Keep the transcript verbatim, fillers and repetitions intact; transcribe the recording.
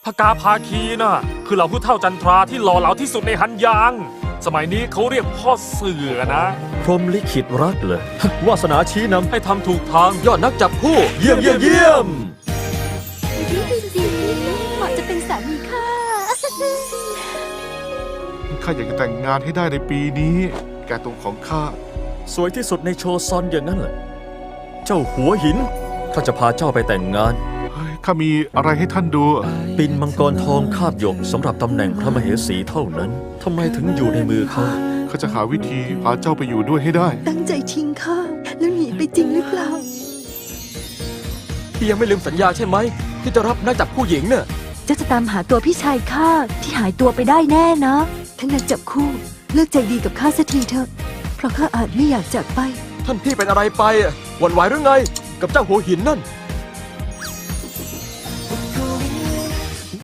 กาภาคีน่ะคือเหล่าผู้เฒ่าจันทราที่หล่อเหลาที่สุดในฮันยางสมัยนี้เขาเรียกพ่อเสือนะพรหมลิขิตรักเลยวาสนาชี้นำให้ทำถูกทางยอดนักจับคู่เยี่ยมเยี่ยมเยี่ยมดูสิเหมาะจะเป็นสามีข้าข้าอยากจะแต่งงานให้ได้ในปีนี้ แกตรงของข้าสวยที่สุดในโชซอนอย่างนั้นเหรอเจ้าหัวหินข้าจะพาเจ้าไปแต่งงานเฮ้ยข้ามีอะไรให้ท่านดูปินมังกรทองคาบหยกสำหรับตำแหน่งพระมเหสีเท่านั้นทำไมถึงอยู่ในมือเขาข้าจะหาวิธีพาเจ้าไปอยู่ด้วยให้ได้ตั้งใจทิ้งข้าแล้วหนีไปจริงหรือเปล่าพี่ยังไม่ลืมสัญญาใช่ไหมที่จะรับนักจับคู่หญิงเนี่ยเจ้าจะตามหาตัวพี่ชายข้าที่หายตัวไปได้แน่นะท่านนักจับคู่เลิกใจดีกับข้าสักทีเถอะเพราะข้าอาจไม่อยากจากไปท่านพี่เป็นอะไรไปอะหวั่นไหวหรือไง กับเจ้าหัวหินนั่น